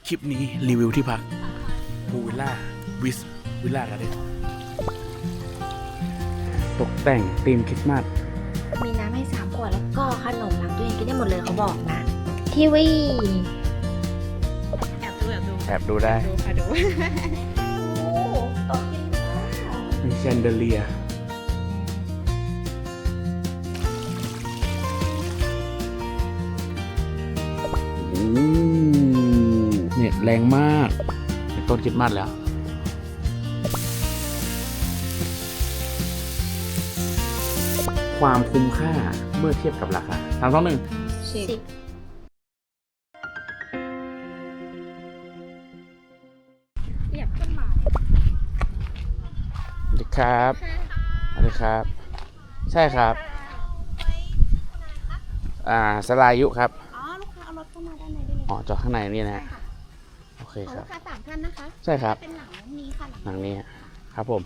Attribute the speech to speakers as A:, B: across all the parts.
A: คลิปนี้รีวิวที่พักพูวิลล่าวิสวิลล่ากันเลยตกแต่งธีมคริสต์มาส
B: มีน้ำให้3 ขวดแล้วก็ขนมหลังตู้เย็นกินได้หมดเลยเขาบอกนะทีวี
A: แอบดูได้
B: ดูค่ะดูโอ้ตกกินข้าว
A: มีแชนเดเลียเน็ตแรงมากเป็นต้นคริสต์มาสแล้ว ความคุ้มค่าเมื่อเทียบกับราคา3 2 1
B: 10เรียบขึ้นมา
A: สวัสดีครับสวัสดีครับ ใช่ครับสลายุครับ
B: อ๋อลูกค้าเอารถเข้ามาด้านในได้เลย
A: อ๋อจอดข้างในนี่นะโอเคครับ
B: ลูกค้า3 ท่านนะคะ
A: ใช่ครับ
B: เป็นหลังนี้ค่ะ
A: หลังนี้ครับผม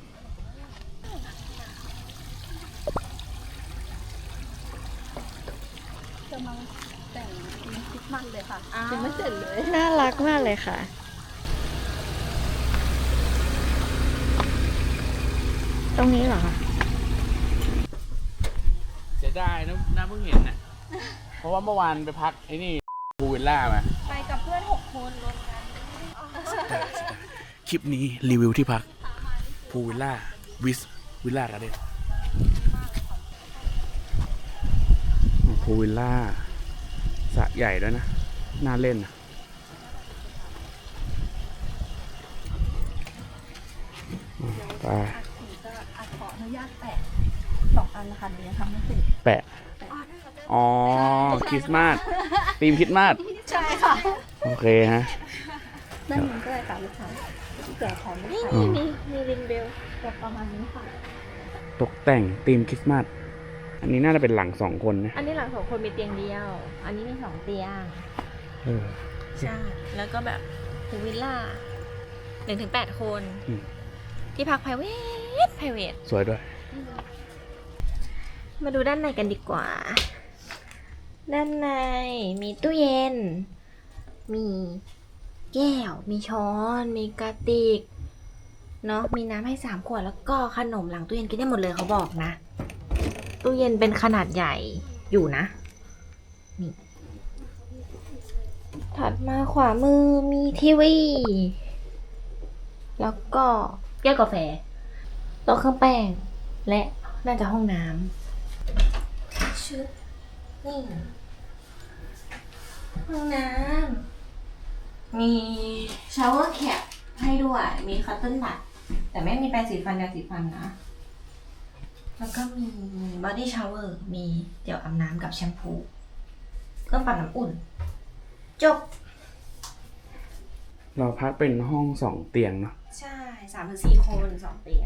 B: กำลังแต่งคริสต์มาสเลยค่ะยังไม่เสร็จเลยน่ารักมากเลยค่ะตรงนี้เหรอคะ
A: เสียดายนะเพิ่งเห็นน่ะเพราะว่าเมื่อวานไปพักไอ้นี่พูวิลล่ามา
B: ไปกับเพื่อน6 คนรวมกัน
A: คลิปนี้รีวิวที่พักพูวิลล่าวิสวิลล่ากันเลยพูวิลล่าสระใหญ่ด้วยนะน่าเล่นไป
B: ขออนุญาตแปะ2 อันนะคะเดี๋ยวยังทำไม่เสร็จ
A: แปะอ๋อคริสต์มาสธีมคริสต์มาส
B: ใช่ค่ะ
A: โอเคฮะ
B: ด้านนี้ก็ได้ค่ะลูกค้าแกะของนี่มีรินเบลแบบประมาณนี้ค่ะ
A: ตกแต่งธีมคริสต์มาสอันนี้น่าจะเป็นหลัง2 คนนะ
B: อันนี้หลัง2 คนมีเตียงเดียวอันนี้มี2 เตียงใช่แล้วก็แบบพูวิลล่า1 ถึง 8 คนที่พัก private
A: สวยด้วย
B: มาดูด้านในกันดีกว่าด้านในมีตู้เย็นมีแก้วมีช้อนมีกระติกเนาะมีน้ำให้3 ขวดแล้วก็ขนมหลังตู้เย็นกินได้หมดเลยเขาบอกนะตู้เย็นเป็นขนาดใหญ่อยู่นะนี่ถัดมาขวามือมีทีวีแล้วก็แก้วกาแฟโต๊ะเครื่องแป้งและน่าจะห้องน้ำชุดนี่ห้องน้ำมีชาวเวอร์แคปให้ด้วยมีคัตเติ้ลบัตแต่ไม่มีแปรงสีฟันยาสีฟันนะแล้วก็มีบอดี้ชาวเวอร์มีเจลอาบน้ำกับแชมพูเครื่องปั่นน้ำอุ่นจบ
A: เราพักเป็นห้อง2 เตียงเนาะ
B: ใช่3 ถึง 4 คน2 เตียง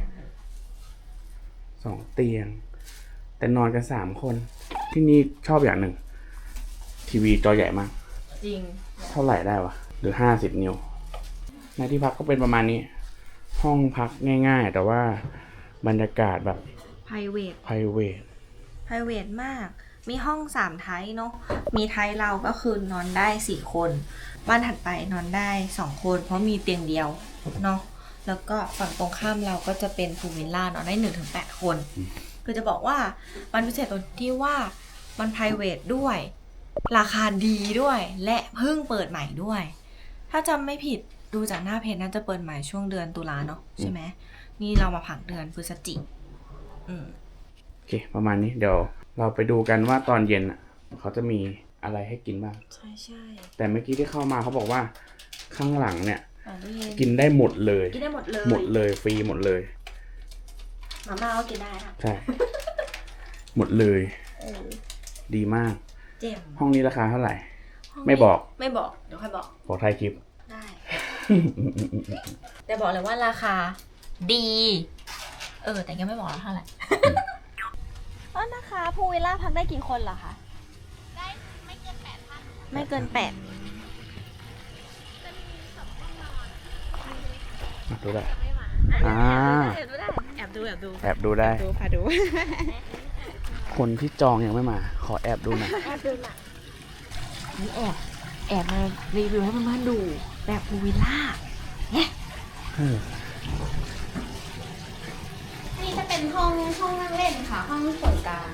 A: 2 เตียงแต่นอนกัน3 คนที่นี่ชอบอย่างหนึ่งทีวีจอใหญ่มาก
B: จริง
A: เท่าไหร่ได้วะหรือ50 นิ้วในที่พักก็เป็นประมาณนี้ห้องพักง่ายๆแต่ว่าบรรยากาศแบบ private
B: มากมีห้อง3 ไทป์เนาะมีไทป์เราก็คือนอนได้4 คนบ้านถัดไปนอนได้2 คนเพราะมีเตียงเดียวเนาะแล้วก็ฝั่งตรงข้ามเราก็จะเป็นพูลวิลล่านอนได้1 ถึง 8 คนคือจะบอกว่ามันพิเศษตรงที่ว่ามัน private ด้วยราคาดีด้วยและเพิ่งเปิดใหม่ด้วยถ้าจำไม่ผิดดูจากหน้าเพจน่าจะเปิดใหม่ช่วงเดือนตุลาเนาะใช่ไหมนี่เรามาผังเดือนพฤศจิก
A: โอเคประมาณนี้เดี๋ยวเราไปดูกันว่าตอนเย็นเขาจะมีอะไรให้กินบ้าง
B: ใช่
A: แต่เมื่อกี้ที่เข้ามาเขาบอกว่าข้างหลังเนี่ยกินได้หมดเลยฟรีหมดเลย
B: มาม่าก็กินได้ค่ะ
A: ใช่หมดเลยดีมากห้องนี้ราคาเท่าไหร่ไม่บอกเ
B: ดี๋ยวค่อย
A: บอกท้ายคลิป
B: ได้แต่บอกเลยว่าราคาดีแต่ยังไม่บอกแล้วเท่าไหร่นะคะพูลวิลล่าพักได้กี่คนเหรอคะได้ไม่เกิน 8 ท่านไม่เกิน 8จะมี2 ห้องนอน
A: ดูได้
B: แอบดู
A: ได้
B: พาดู
A: คนที่จองยังไม่มาขอแอบดูหน่อย
B: นี่แอบมารีวิวให้เพื่อนๆดูแบบพูลวิลล่าเนี่ย
A: เออ
C: นี่จะเป็นห้องนั่งเล่นค่ะ ห้องส่วนกลาง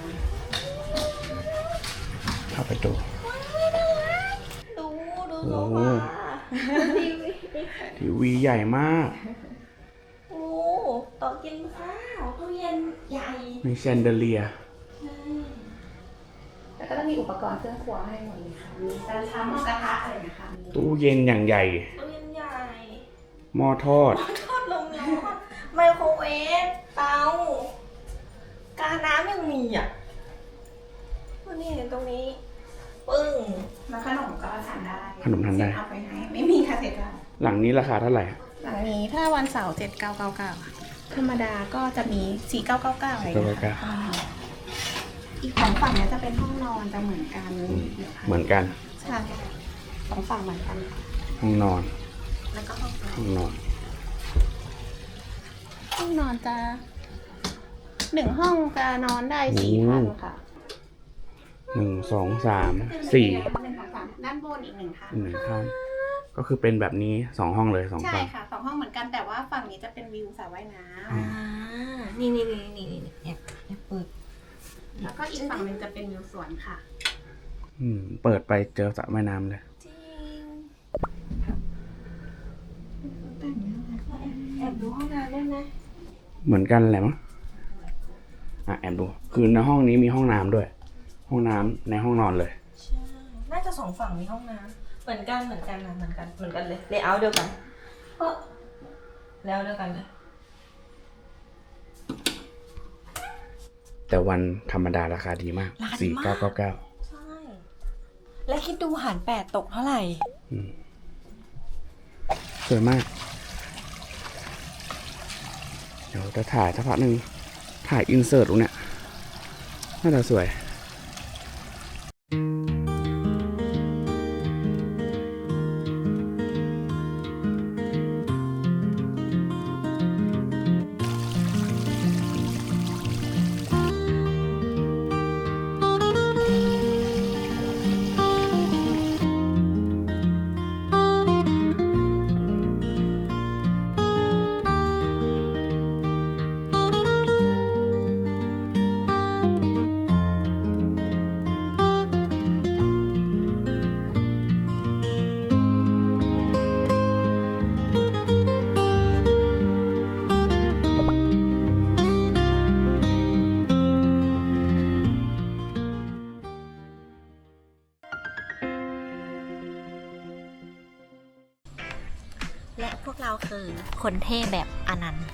A: เข้าไปดู
B: ดูโซ
A: โอ้โห
B: ฟา
A: ทีวีใหญ่มาก
B: โอ้โต๊ะกินข้าวตู้เย็นใหญ่
A: มีแชนเดอเลียร์
C: แล้วก็จะมีอุปกรณ์เครื่องครัวให้หมดเลยค่ะ มีจานชามหม้อกระทะอะไรนะคะ
A: ตู้เย็นอย่างใหญ่
B: ตู้เย็นใหญ่
A: หม้อทอด
B: ทอดลมร้อนไมโครเวฟเตากาน้ำยังมีอ่ะนี่ตรงนี้ปึ้ง
C: แล้วขนมก็ทานได้
A: ขนมทานได้
C: เอาไปให้ไม่มีค่าใช้จ่าย
A: หลังนี้ราคาเท่าไหร่
C: หลังนี้ถ้าวันเสาร์7999ธรรมดาก็จะมี4999อะไรอย่างเงี้ยค่ะอีก2ฝั่งเนี้ยจะเป็นห้องนอนจะเหมือนกัน
A: เหมือนกัน
C: ใช่2ฝั่งเหมือนกัน
A: ห้องนอน
B: แล้วก็ห้อง
A: ห้องนอน
C: ห้องนอนจะ1ห้องจะนอนได้4ท่านค่ะ
A: 1 2 3 4
C: ด้านบนอีก1ท่าน
A: 1ท่านก็คือเป็นแบบนี้2ห้องเลย2
C: ใช่
A: ฝั่ง
C: ค่ะ2ห้องเหมือนกันแต่ว่าฝั่งนี้จะเป็นวิวสระว่ายน้
B: อ่านี่แอบเปิด
C: ำแล้วก็อีกฝั่งหนึงจะเป็นวิวสวนค่ะ
A: เปิดไปเจอสระว่ายน้ำเลย
B: จริงแอบดูห้องน้ำได้ไหม
A: เหมือนกันแหละมั้งแอบดู คือในห้องนี้มีห้องน้ำด้วย ห้องน้ำในห้องนอนเลย
B: ใช่น่าจะ2ฝั่งมีห้องน้ำเหมือนกันนะเหมือนกันเลยเลเยอร์เดียวกันแล้วเดียวกันเลย
A: แต่วันธรรมดาราคาดีมาก 4999
B: ใช่ และคิดดูหาร8ตกเท่าไหร่
A: สวยมาก เดี๋ยวจะถ่ายสักพักหนึ่งถ่ายอินเสิร์ตตรงเนี้ยน่าจะสวย
B: และพวกเราคือคนเท่แบบอนันต์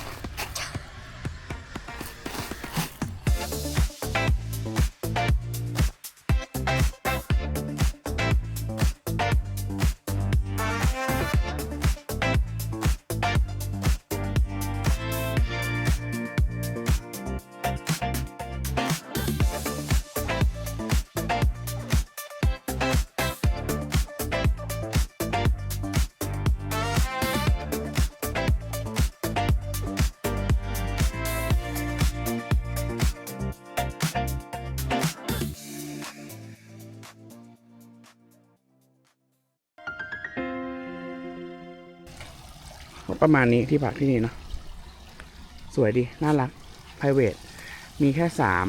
A: ประมาณนี้ที่พักที่นี่เนาะสวยดี น่ารัก private มีแค่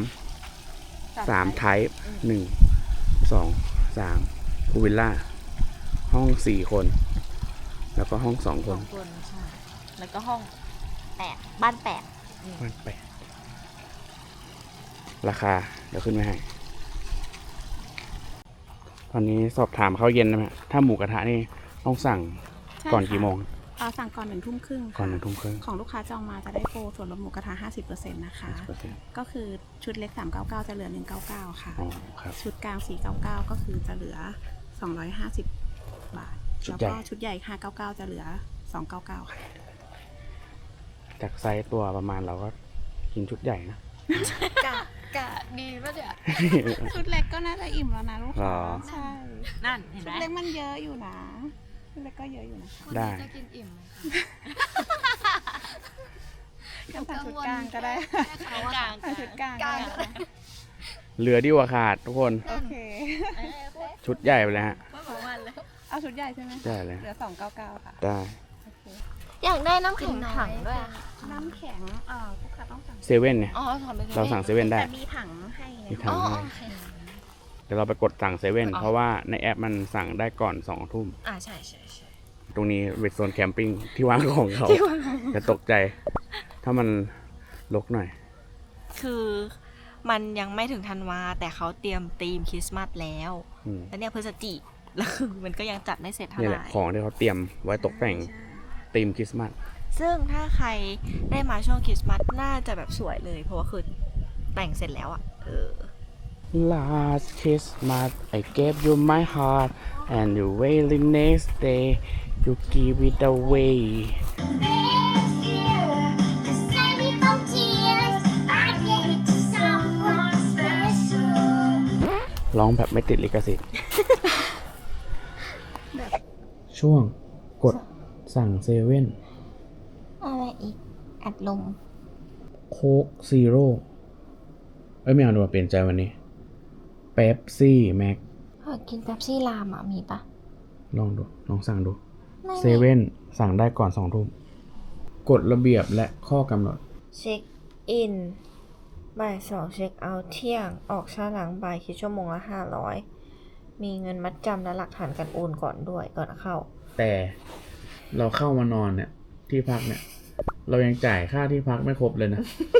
A: 3 type 1 2 3พูลวิลล่าห้อง4 คน แล้วก็ห้อง2 คน
B: คนใช่แล้วก็ห้อง8บ้าน8
A: บ้านแปดราคา เดี๋ยวขึ้นไว้ให้ ตอนนี้สอบถามข้าวเย็นนะฮะถ้าหมูกระทะนี่ต้องสั่งก่อนกี่โมง
C: สั่งก่อน1 ทุ่มครึ่ง
A: ก่อน1 ทุ่มครึ่ง
C: ของลูกค้าจองมาจะได้โปรส่วนลดหมูกระทะ 50% นะคะ ก็คือชุดเล็ก399จะเหลือ199ค่ะ
A: อ๋อครับ
C: ชุดกลาง499ก็คือจะเหลือ250 บาท
A: ชุด
C: แล้ว
A: ใหญ่
C: ก็ชุดใหญ่599จะเหลือ299ค่ะ
A: จากไซส์ตัวประมาณเราก็กินชุดใหญ่นะ
B: กะดีป่ะเนี่ย
C: ชุดเล็กก็น่าจะอิ่มแล้วนะลูก
A: หร
C: ค้า
A: อ
C: ใช่
B: นั่นเห็น
C: ชุ
B: ไหม
C: ดเล็กมันเยอะอยู่นะชุดเล็กก็เยอะอยู่นะคะ
A: ได้
D: จะกินอิ่มไหมคะ
C: ก็สั่งชุดกลางก็ได้
B: กลาง
C: สั่งชุดกลางก็ได้
A: เหลือดีกว่าขาดทุกคน
C: โอเค
A: ชุดใหญ่ไปเลยฮะ
B: ว่าประมาณเลย
C: อเอาชุดใหญ่ใช่ไหม
A: ได้เลย
C: เหลือ299ค่ะ
A: ได้
C: โอเค
B: อยากได้น้ำแข็งถังด้วยอะ
C: น้ำแข็งลูกค้าต้องสั่ง
A: เซเว่นเนี่ย
B: อ๋อถอนไป
A: เราสั่งเซเว่นได้
C: แต่มีถังให้นะ
A: มีถัง
B: อ๋อ
A: ให้
B: โอเค
A: เดี๋ยวเราไปกดสั่งเซเว่น
B: อ๋อ
A: เพราะว่าในแอปมันสั่งได้ก่อน2 ทุ่ม
B: ใช่ใช่ใช่
A: ตรงนี้เป็นโซนแคมปิ้งที่วางของเขาจะตกใจ ถ้ามันรกหน่อย
B: คือมันยังไม่ถึงธันวาแต่เขาเตรียมธีมคริสต์มาสแล้ว
A: อืม
B: แล้วเนี่ยพฤศจิกแล้วคือมันก็ยังจัดไม่เสร็จเท่า
A: นี่
B: ไห
A: แหละ
B: ร่
A: ของที่เขาเตรียมไว้ตกแต่งธีมคริสต์มาส
B: ซึ่งถ้าใครได้มาช่วงคริสต์มาสน่าจะแบบสวยเลย เพราะว่าคือแต่งเสร็จแล้วอะ
A: Last Christmas I gave you my heart and the very next day you give it away ร้องแบบไม่ติดลิขสิทธิ์ ช่วงกดสั่งเซเว่น
B: อะไรอีก อัดลม
A: โค้กซีโร่ไม่เอาดีกว่าเปลี่ยนใจวันนี้เป๊ปซี่แม็ก
B: กินเป๊ปซี่ลามมีปะ
A: ลองดู ลองสั่งดู
B: ไม่
A: เซเว่นสั่งได้ก่อน2 ทุ่มกฎระเบียบและข้อกำหนด
B: เช็คอินบ่าย2เช็คเอาท์เที่ยง ออกช้าหลังบ่ายคิดชั่วโมงละ500มีเงินมัดจำและหลักฐานการโอนก่อนด้วยก่อนเข้า
A: แต่เราเข้ามานอนเนี่ย ที่พักเนี่ย เรายังจ่ายค่าที่พักไม่ครบเลยนะ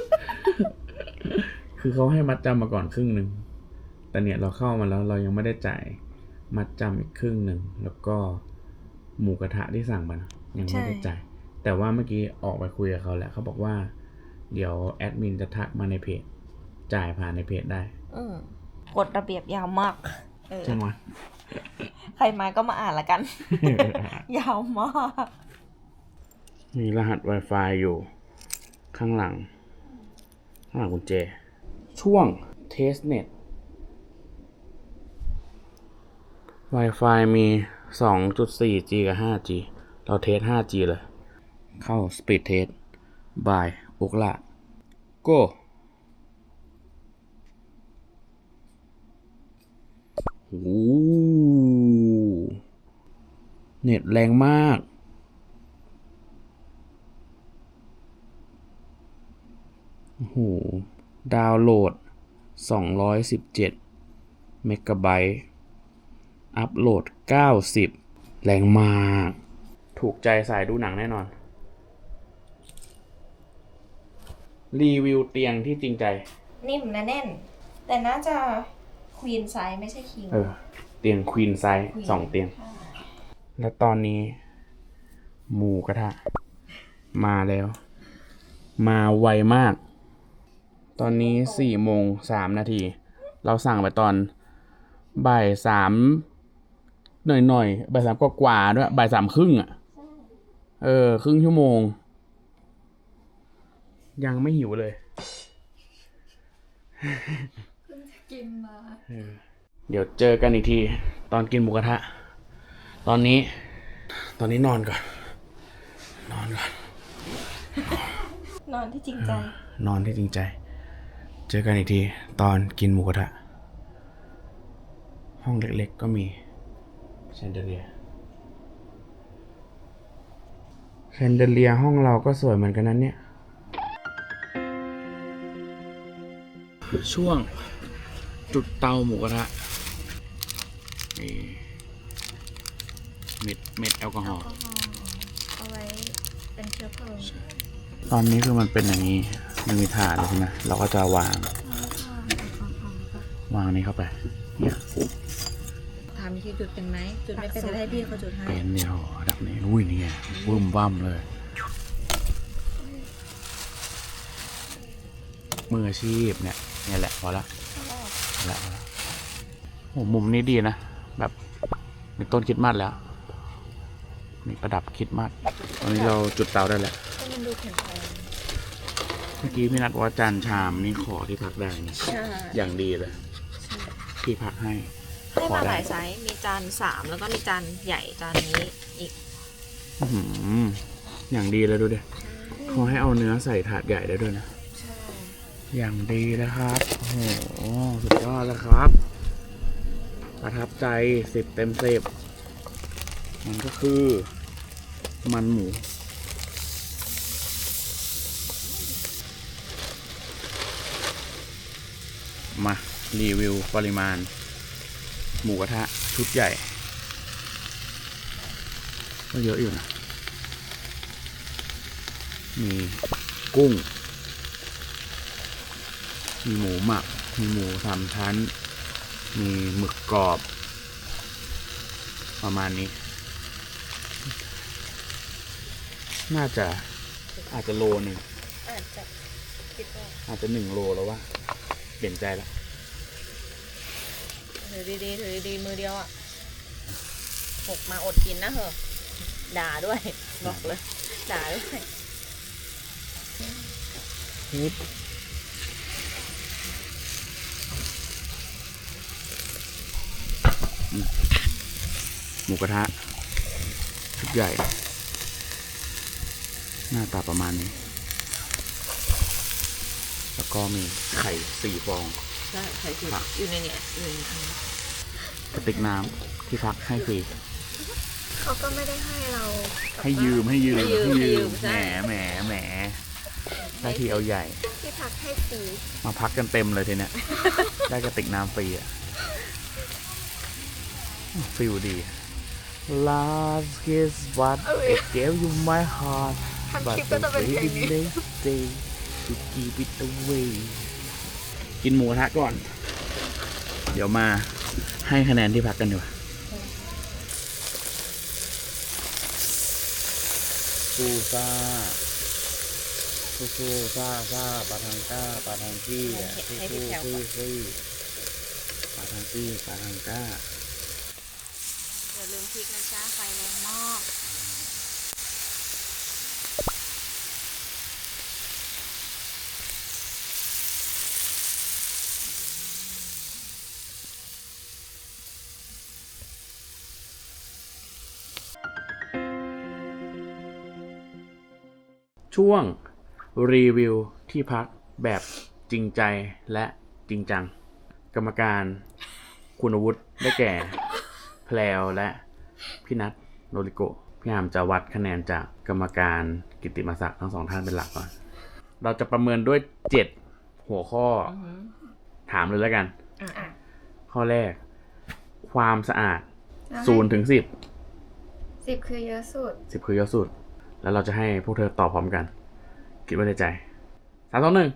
A: คือเขาให้มัดจำมาก่อนครึ่งหนึ่งแต่เนี่ยเราเข้ามาแล้วเรายังไม่ได้จ่ายมัดจำอีกครึ่งหนึ่งแล้วก็หมูกระทะที่สั่งมานะยังไม่ได้จ่ายแต่ว่าเมื่อกี้ออกไปคุยกับเขาแล้วเขาบอกว่า เดี๋ยวแอดมินจะทักมาในเพจจ่ายผ่านในเพจได้
B: กฎระเบียบยาวมาก
A: ใช่ไหม
B: ใครมาก็มาอ่านละกัน ยาวมาก
A: มีรหัส Wi-Fi อยู่ข้างหลังกุญแจช่วง Testnet Wi-Fi มี 2.4G กับ 5G เราเทส 5G เลย เข้า Speed Test by อุกละ Go โอ้โหเน็ตแรงมากโอ้โหดาวน์โหลด217เมกะไบต์อัพโหลด90แรงมากถูกใจสายดูหนังแน่นอนรีวิวเตียงที่จริงใจ
B: นิ่มนะแน่น แต่น่าจะควีนไซส์ไม่ใช่คิง
A: เตียงควีนไซส์2เตียง แล้วตอนนี้หมูกระทะมาแล้ว มาไวมาก ตอนนี้4:03 เราสั่งไปตอนบ่าย3หน่อยบ่าย3กว่าๆด้วยบ่าย3ครึ่งอ่ะครึ่งชั่วโมง ยังไม่หิวเลยกินมาเดี๋ยวเจอกันอีกทีตอนกินหมูกระทะตอนนี้นอนก่อน
B: นอนที่จริงใจ
A: นอนที่จริงใจ เจอกันอีกทีตอนกินหมูกระทะห้องเล็กๆก็มีแชนเดเลียร์ห้องเราก็สวยเหมือนกันนั้นเนี่ยช่วงจุดเตาหมูกระทะนี่เม็ดแอลกอฮอล์
C: เอาไว้เป็นเชื้อเพลิง
A: ตอนนี้คือมันเป็นอย่างนี้มันมีถาดใช่ไหมเราก็จะวางนี้เข้าไปเนี่ย
B: ถามที่จุดเป็นไหม จุดไม่เป็นจะให้พี่เขาจุดให้
A: เป็นเดียวดับนี้อุ้ยนี่ไงบึ้มบ้ามเลยมืออาชีพเนี่ยแหละพอละโอ้มุมนี้ดีนะแบบมีต้นคริสต์มาสแล้วมีประดับคริสต์มาสตอนนี้เราจุดเตาได้แล้ว
B: มันดูแข็งแรง
A: เมื่อกี้พี่นัดว่าจานชามนี่ขอที่พักได้นะ
B: ใช่
A: อย่างดีเลยพี่พักให้
B: ได้มาหลายไซส์ มีจาน3แล้วก็มีจานใหญ่จานนี้อีก
A: อื้อหืออย่างดีเลยดูดิเขาให้เอาเนื้อใส่ถาดใหญ่ได้ด้วยนะ
B: ใช่
A: อย่างดีเลยครับโอ้โหสุดยอดแล้วครับประทับใจ10 เต็ม 10 มันก็คือมันหมูมารีวิวปริมาณหมูกระทะชุดใหญ่ก็เยอะอยู่นะ มีกุ้ง มีหมูหมัก มีหมู3 ชั้น มีหมึกกรอบ ประมาณนี้ น่าจะอาจจะโลนึง
B: อาจจะคิดว่า
A: อาจจะ1 โลแล้วว่าเปลี่ยนใจแล้ว
B: ถือดีๆถือดีๆมือเดียวอ่ะหกมาอดกินนะเหอะด่าด้วยบอกเลยด่าด้วย
A: หมูกระทะชุดใหญ่ หน้าตาประมาณนี้ แล้วก็มีไข่4 ฟอง
B: ใช่ไข่คืออยู่ในเนี่ยอยู่ในนี้
A: กระติกน้ำที่พักให้ฟรี
C: เขาก็ไม่ได้ให้เรา
A: ให้ยืมแหมได้ทีเอาใหญ่
C: ที่พักให้ฟรี
A: มาพักกันเต็มเลยทีเนี้ย ได้กระติกน้ำฟรีอ่ะฟิลดี Last kiss what I gave you my heart
C: ทำ
A: but
C: คลิปก็จะ
A: the
C: เป็นเพลง
A: baby
C: นี้
A: next day to keep it away กินหมูกระทะก่อน เดี๋ยวมาให้คะแนนที่พักกันดีกว่าซูซ่าซูซ่าปาทางก้าปาทางกี้อ่ะซูปาทางกี้ปาทางก้า
B: อย่าลืมพริกนะจ๊ะไฟแรงมาก
A: ช่วงรีวิวที่พักแบบจริงใจและจริงจัง กรรมการคุณวุฒิได้แก่ แพลวและพี่นัทโนริโกะพี่อามจะวัดคะแนนจากกรรมการกิตติมศักดิ์ทั้ง2 ท่านเป็นหลักก่อน เราจะประเมินด้วย7 หัวข้อถามเลยแล้วกัน ข้อแรก ความสะอาด0 ถึง
C: 10 คือเยอะสุด
A: 10คือเยอะสุด แล้วเราจะให้พวกเธอตอบพร้อมกัน คิดไว้ในใจ3 2 1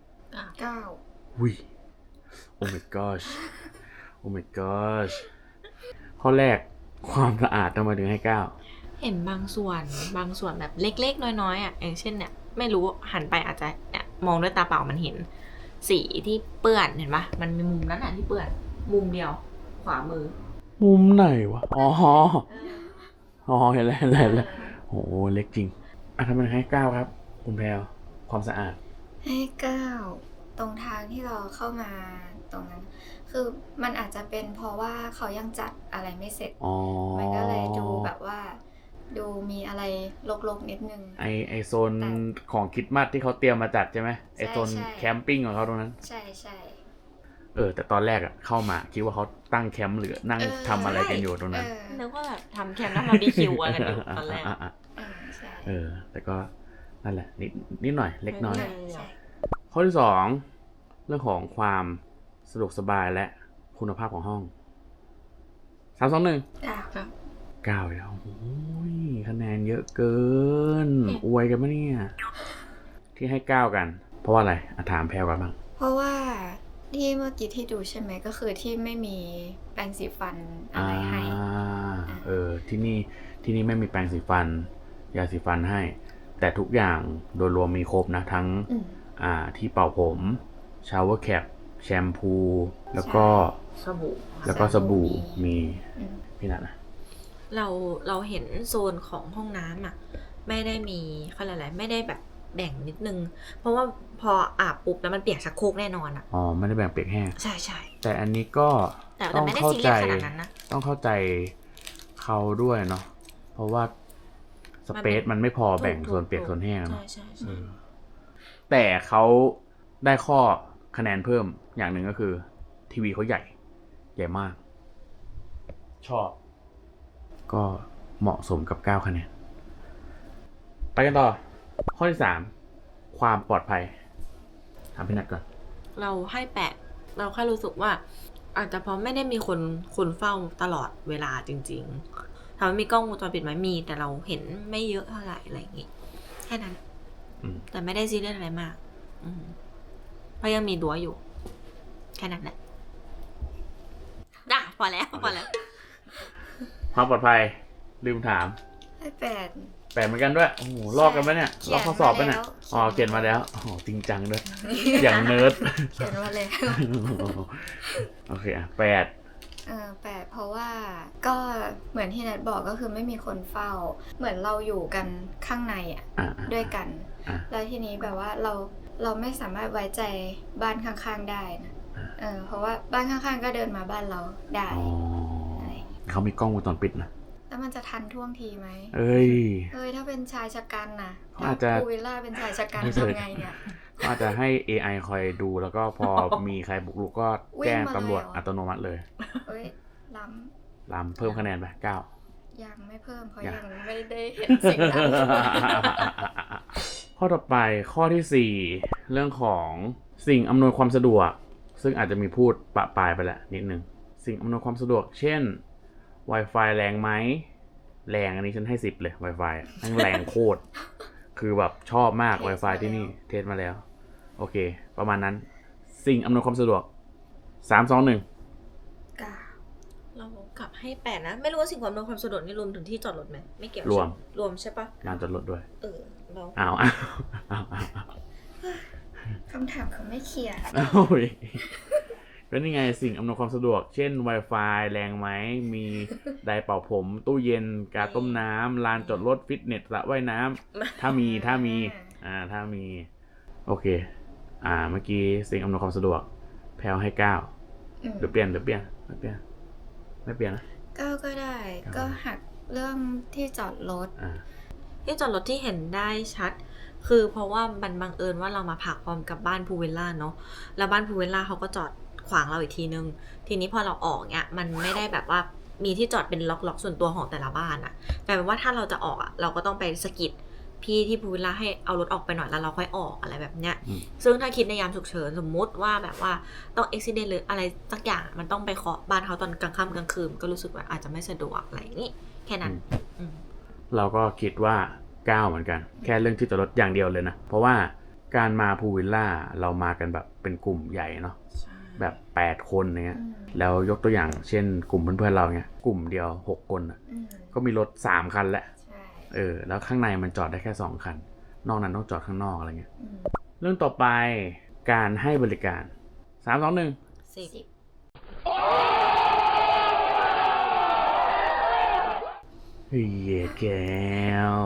C: 9
A: อุ้ย โอ้ my gosh โอ้ my gosh ข้อแรกความสะอาดทำไมถึงให้ 9
B: เห็นบางส่วนแบบเล็กๆน้อยๆอ่ะอย่างเช่นเนี่ยไม่รู้หันไปอาจจะเนี่ยมองด้วยตาเปล่ามันเห็นสีที่เปื้อนเห็นปะมันมีมุมนั้นอ่ะที่เปื้อนมุมเดียวขวามือ
A: มุมไหนวะ อ๋อเห็นแล้วโอ้เล็กจริงอ่ะทำไมถึงให้ 9 ครับ คุณแพรวความสะอาด
C: ให้ 9 ตรงทางที่เราเข้ามาตรงนั้น คือมันอาจจะเป็นเพราะว่าเขายังจัดอะไรไม่เสร็จ
A: อ๋อ
C: มันก็เลยดูแบบว่า ดูมีอะไรรกๆนิดนึง
A: ไอโซนของคริสต์มาสที่เขาเตรียมมาจัดใช่ไหมไอโซน
C: ใช่
A: แคมปิ้งของเขาตรงนั้น
C: ใช่ใช่
A: แต่ตอนแรกอะเข้ามาคิดว่าเขาตั้งแคมป์หรือนั่งทำอะไรกันอยู่ตรงนั้น
B: นึกว่าแบบทำแคมป์แล้วมาบีคิวกันอยู่ตอนแรก
C: ใช่
A: แต่ก็นั่นแหละนิดหน่อยเล็กน้อย
C: ใช่
A: ข้อที่ 2 เรื่องของความสะดวกสบายและคุณภาพของห้อง3 2 1 9แล้วโอ้ยคะแนนเยอะเกิน อวยกันปะเนี่ย ที่ให้ 9 กัน เพราะว่าอะไรถามแพรวกันบ้าง
C: เพราะว่าที่เมื่อกี้ที่ดูใช่ไหมก็คือที่ไม่มีแปรงสีฟันอะไรให้
A: ที่นี่ไม่มีแปรงสีฟัน ยาสีฟันให้ แต่ทุกอย่างโดยรวมมีครบนะ ทั้งที่เป่าผมชาวเวอร์แคปแชมพูแล้วก็สบู่มีพี่นัทนะ
B: เราเห็นโซนของห้องน้ำอ่ะไม่ได้มีเขาเรียกอะไรไม่ได้แบบแบ่งนิดนึง เพราะว่าพออาบปุ๊บแล้วมันเปียกชักโครกแน่นอนอ่ะ
A: ไม่ได้แบ่งเปียกแห้ง
B: ใช่
A: แต่อันนี้ก็
B: แต่
A: ต้อง
B: ไม่ได้
A: เข้า
B: ซีเรี
A: ใจ
B: ยสขนาดนั้นนะ
A: ต้องเข้าใจเขาด้วยเนาะเพราะว่าสเปซมันไม่พอแบ่งส่วนเปียกส่วนแห้งเนาะ
B: ใช่
A: แต่เขาได้ข้อคะแนนเพิ่มอย่างหนึ่งก็คือ ทีวีเขาใหญ่มาก ชอบ ก็เหมาะสมกับ9คะแนนไปกันต่อข้อที่3ความปลอดภัยถามพี่นัทก่อน
B: เราให้8เราแค่รู้สึกว่า อาจจะเพราะไม่ได้มีคนเฝ้าตลอดเวลาจริงๆถามว่ามีกล้องวงจรปิดไหมมี แต่เราเห็นไม่เยอะเท่าไหร่อะไรอย่างงี้แค่นั้นแต่ไม่ได้ซีเรียสอะไรมากเพราะยังมีรั้วอยู่แค่นั้นแหละพอแล้ว
A: ความปลอดภัยลืมถาม
C: ให้8
A: 8เหมือนกันด้วยโอ้โหลอกกันปะเนี่ยลอกข้อสอบปะเนี่ยอ๋อเขียนมาแล้วโอ้โหจริงจังด้วย อย่างเนิร์ด
C: เขียนมาแล้ว
A: โอเคอ่ะ8
C: 8เพราะว่าก็เหมือนที่นัทบอกก็คือไม่มีคนเฝ้า เหมือนเราอยู่กันข้างในด้วยกัน แล้วทีนี้แบบว่าเราไม่สามารถไว้ใจบ้านข้างๆได้นะเพราะว่าบ้านข้างๆก็เดินมาบ้านเราได้
A: เขามีกล้องวงจรปิดนะ
C: แล้วมันจะทันท่วงทีไหม
A: เอ้ย
C: ถ้าเป็นชายชะกันนะ
A: อาจจะ
C: พูวิลล่าเป็นชายชะกันทำไงเนี่ย
A: อาจจะให้ AI คอยดูแล้วก็พอมีใครบุกรุกก็แจ้งตำรวจอัตโนมัติเลย
C: ล้
A: ำเพิ่มคะแนนไป9
C: ยังไม่เพิ่มเพราะยังไม่ได้เห็นสิ่งนั้น
A: ข้อต่อไปข้อที่4เรื่องของสิ่งอำนวยความสะดวกซึ่งอาจจะมีพูดปะปายไปแล้วนิดนึงสิ่งอำนวยความสะดวกเช่น Wi-Fi แรงไหมแรงอันนี้ฉันให้10เลย Wi-Fi ทั้งแรงโคตรคือแบบชอบมาก Wi-Fi ที่นี่เทสมาแล้วโอเคประมาณนั้นสิ่งอำนวยความสะดวก3 2 1
B: เรากลับให้8นะไม่รู้ว่าสิ่งอำนวยความสะดวกนี่รวมถึงที่จอดรถไหมไม่เกี่ยวรวมใช่ปะ
A: ลานจอดรถด้วย
B: เรา
A: อ้าว
C: คำถามเขาไม่เคลียร์
A: ก็นี่ไงสิ่งอำนวยความสะดวกเช่น Wi-Fi แรงไหมมีไดร์เป่าผมตู้เย็นกาต้มน้ำลานจอดรถฟิตเนสสระว่ายน้ำถ้ามีโอเคเมื่อกี้สิ่งอำนวยความสะดวกแพลวให้9หรือเปลี่ยนไม่เปลี่ยนนะ
C: 9ก็ได้ก็หักเรื่องที่จอดรถ
B: ที่เห็นได้ชัดคือเพราะว่ามันบังเอิญว่าเรามาพักพร้อมกับบ้านพูวิลล่าเนาะแล้วบ้านพูวิลล่าเขาก็จอดขวางเราอีกทีนึงทีนี้พอเราออกเนี่ยมันไม่ได้แบบว่ามีที่จอดเป็นล็อกส่วนตัวของแต่ละบ้านอะกลายเป็นว่าถ้าเราจะออกเราก็ต้องไปสกิดพี่ที่พูวิลล่าให้เอารถออกไปหน่อยแล้วเราค่อยออกอะไรแบบเนี้ยซึ่งถ้าคิดในยามฉุกเฉินสมมุติว่าแบบว่าต้องอุบิเหตุหรืออะไรสักอย่างมันต้องไปเคาะบ้านเขาตอนกลางค่ำกลางคืนก็รู้สึกว่าอาจจะไม่สะดวกอะไรอย่างนี้แค่นั้น
A: เราก็คิดว่า9เหมือนกันแค่เรื่องที่จอดรถอย่างเดียวเลยนะเพราะว่าการมาพูวิลล่าเรามากันแบบเป็นกลุ่มใหญ่เนาะแบบ8คนเนี้ยแล้วยกตัวอย่างเช่นกลุ่มเพื่อนๆเราเนี้ยกลุ่มเดียว6คนก็มีรถ3คันแหละแล้วข้างในมันจอดได้แค่2คันนอกนั้นต้องจอดข้างนอกอะไรเงี้ยเรื่องต่อไปการให้บริการ3 2 1
B: 10
A: เฮ้ยแก้ว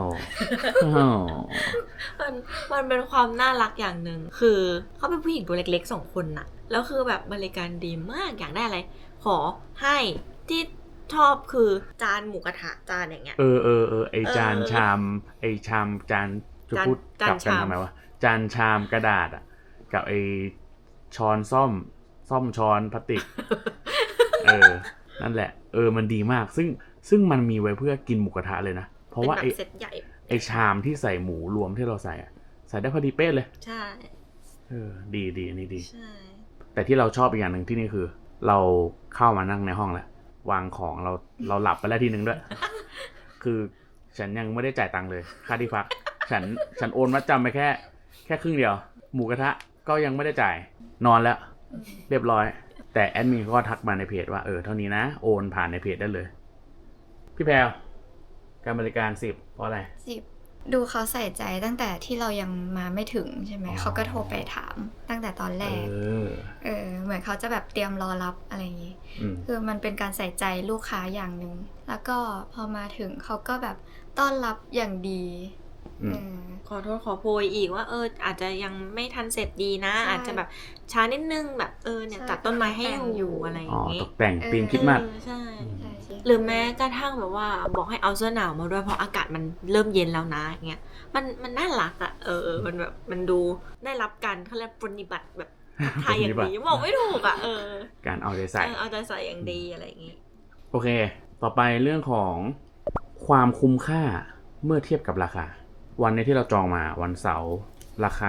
B: มันเป็นความน่ารักอย่างหนึ่งคือเขาเป็นผู้หญิงตัวเล็กๆ2คนน่ะแล้วคือแบบบริการดีมากอยากได้อะไรขอให้ที่ชอบคือจานหมูกระทะจานอย่างเงี้ย
A: ไอจานชามจานจะพูดกลับกันทำไมวะจานชามกระดาษกับไอช้อนซ่อมช้อนพลาสติกนั่นแหละมันดีมากซึ่งมันมีไว้เพื่อกินหมูกระทะเลยนะเพราะว่าไอชามที่ใส่หมูรวมที่เราใส่ได้พอดีเป๊ะเลย
B: ใช่
A: ดีอันนี้ดี
B: ใช่
A: แต่ที่เราชอบอีกอย่างหนึ่งที่นี่คือเราเข้ามานั่งในห้องแล้ววางของเราหลับไปแล้วทีนึงด้วย คือฉันยังไม่ได้จ่ายตังค์เลยค่าที่พักฉันโอนมัดจำไปแค่ครึ่งเดียวหมูกระทะก็ยังไม่ได้จ่ายนอนแล้วเรียบร้อยแต่แอดมินก็ทักมาในเพจว่าเท่านี้นะโอนผ่านในเพจได้เลยพี่แพรวการบริการ10เพราะอะไร
C: 10ดูเขาใส่ใจตั้งแต่ที่เรายังมาไม่ถึงใช่ไหมเขาก็โทรไปถามตั้งแต่ตอนแรกเหมือนเขาจะแบบเตรียมรอรับอะไรอย่างงี้คือมันเป็นการใส่ใจลูกค้าอย่างนึงแล้วก็พอมาถึงเขาก็แบบต้อนรับอย่างดี
B: ขอโทษขอโพยอีกว่าอาจจะยังไม่ทันเสร็จดีนะอาจจะแบบช้านิดนึงแบบเนี่ยตัดต้นไม้ให้อยู่อะไรอย่างงี้
A: ตกแต่งธีมคิดมาก
B: ใช่หรือแม้กระทั่งแบบว่าบอกให้เอาเสื้อหนาวมาด้วยเพราะอากาศมันเริ่มเย็นแล้วนะอย่างเงี้ยมันน่ารักมันแบบมันดูได้รับการเขาเรียกปฏิบัติแบบไทยอย่างดีบอกไม่ถูก
A: การเอาใจใส่
B: อย่างดีอะไรอย่างงี้
A: โอเคต่อไปเรื่องของคความคุ้มค่าเมื่อเทียบกับราคา วันนี้ที่เราจองมาวันเสาร์ราคา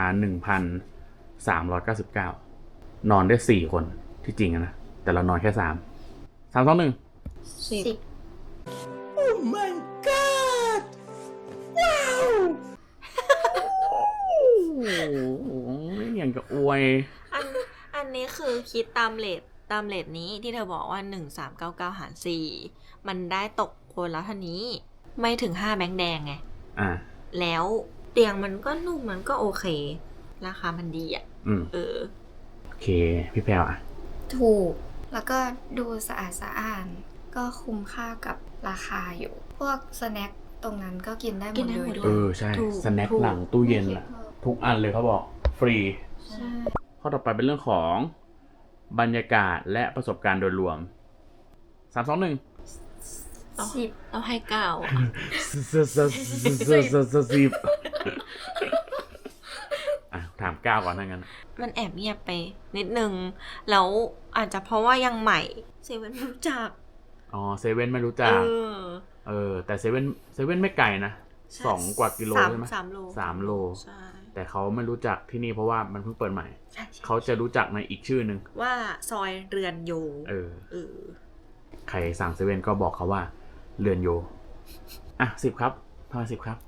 A: 1,399 นอนได้ 4 คนที่จริงนะแต่เรานอนแค่ 3 3 2 1
C: 10
A: Oh my god ว้าวอย่างกับอวย
B: อันนี้คือคิดตามเรทนี้ที่เธอบอกว่า1399หาร4มันได้ตกคนละเท่านี้ไม่ถึง5แบงค์แดงไงแล้วเตียงมันก็นุ่มมันก็โอเค ราคามันดีอ่ะ
A: โอเคพี่แพรวอ่ะ
C: ถูกแล้วก็ดูสะอาดสะอ้านก็คุ้มค่ากับราคาอยู่ พวกสแน็คตรงนั้นก็กินได้หมดเลย
A: ใช่สแน็คหลังตู้เย็นอะทุกอันเลยเขาบอกฟรีข้อต่อไปเป็นเรื่องของบรรยากาศและประสบการณ์โดยรวม 3 2 1
C: 10
B: เอาให้9
A: ถาม9ก่อนทั้งนั้น
B: มันแอบเงียบไปนิดนึงแล้วอาจจะเพราะว่ายังใหม่เซเว่นไม่รู้จัก
A: เซเว่นไม่รู้จักแต่เซเว่นไม่ไกลนะ2 กว่ากิโลใช่ไหม3 โลใช่แต่เขาไม่รู้จักที่นี่เพราะว่ามันเพิ่งเปิดใหม่เขาจะรู้จักในอีกชื่อนึง
B: ว่าซอยเรือนโย
A: ใครสั่งเซเว่นก็บอกเขาว่าเรือนโย10 ครับทำไม10 ครับ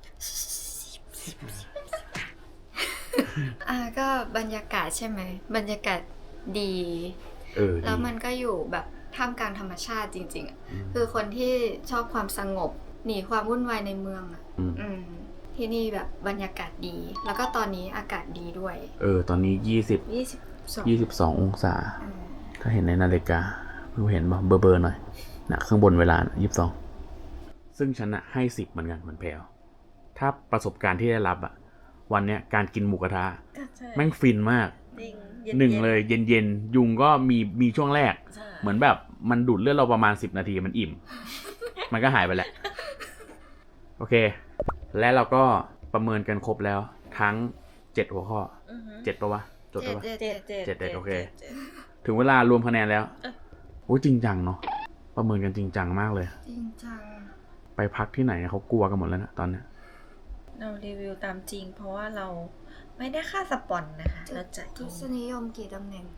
C: ก็บรรยากาศใช่ไหมบรรยากาศดีแล้วมันก็อยู่แบบท่ามกลางธรรมชาติจริงๆคือคนที่ชอบความสงบหนีความวุ่นวายในเมืองที่นี่แบบบรรยากาศดีแล้วก็ตอนนี้อากาศดีด้วย
A: ตอนนี้22 องศาถ้าเห็นในนาฬิการู้เห็นป่ะเบอร์หน่อยนะข้างบนเวลา22ซึ่งฉันให้10เหมือนกันเหมือนแพรวถ้าประสบการณ์ที่ได้รับวันเนี้ยการกินหมูกระทะแม่งฟินมากหนึ่งเลยเย็นยุงก็มีช่วงแรกเหมือนแบบมันดูดเลือดเราประมาณ10 นาทีมันอิ่ม มันก็หายไปแหละโอเคและเราก็ประเมินกันครบแล้วทั้ง7 หัวข้อ7 ปะวะจดปะวะ7โอเคถึงเวลารวมคะแนนแล้วโอ้จริงจังเนาะประเมินกันจริงจังมากเลย
C: จริงจัง
A: ไปพักที่ไหนเขากลัวกันหมดแล้วนะตอนนี้
B: เรารีวิวตามจริงเพราะว่าเราไม่ได้ค่าสปอนนะคะเราจ่าย
C: ทศนิยมกี่ตำแหน่ง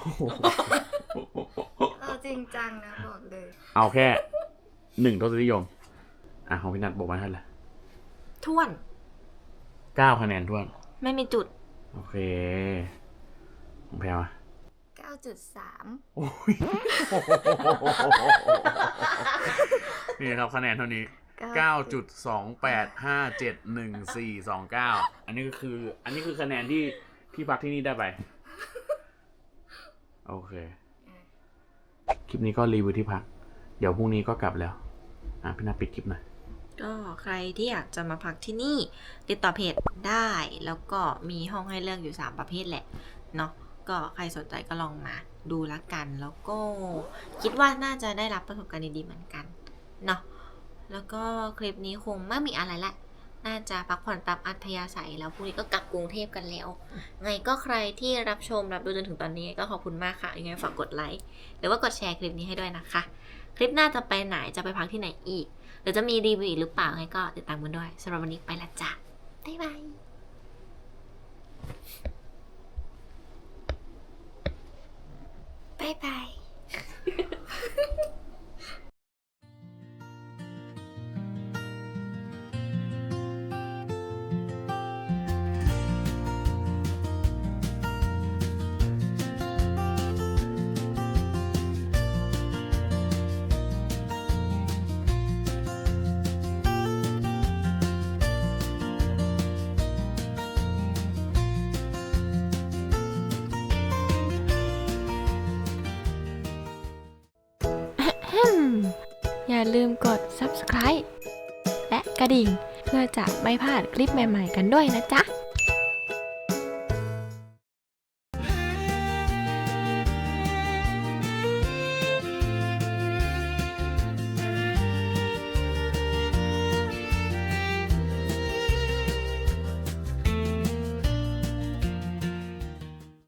C: เราจริงจังนะบอกเลย
A: เอาแค่1 ทศนิยมของพี่นัทบอกมาเท่าไหร่
B: ท้วน
A: 9 คะแนนท้วน
B: ไม่มีจุด
A: โอเคของแพรว
C: 9.3
A: โอ้ยนี่ครับคะแนนเท่านี้9.28571429อันนี้คือคะแนนที่พักที่นี่ได้ไปโอเคคลิปนี้ก็รีวิวที่พักเดี๋ยวพรุ่งนี้ก็กลับแล้วพี่นาปิดคลิปหน่อย
B: ก็ใครที่อยากจะมาพักที่นี่ติดต่อเพจได้แล้วก็มีห้องให้เลือกอยู่3 ประเภทแหละเนาะก็ใครสนใจก็ลองมาดูละกันแล้วก็คิดว่าน่าจะได้รับประสบการณ์ดีๆเหมือนกันเนาะแล้วก็คลิปนี้คงไม่มีอะไรละน่าจะพักผ่อนตามอัธยาศัยแล้วพรุ่งนี้ก็กลับกรุงเทพกันแล้วไงก็ใครที่รับดูจนถึงตอนนี้ก็ขอบคุณมากค่ะยังไงฝากกดไลค์หรือว่ากดแชร์คลิปนี้ให้ด้วยนะคะคลิปหน้าจะไปไหนจะไปพักที่ไหนอีกหรือจะมีรีวิวหรือเปล่าไงก็ติดตามกันด้วยสำหรับวันนี้ไปละจ้ะบ๊ายบาย
C: บ๊ายบาย
D: อย่าลืมกด subscribe และกระดิ่งเพื่อจะไม่พลาดคลิปใหม่ๆกันด้วยนะจ๊ะ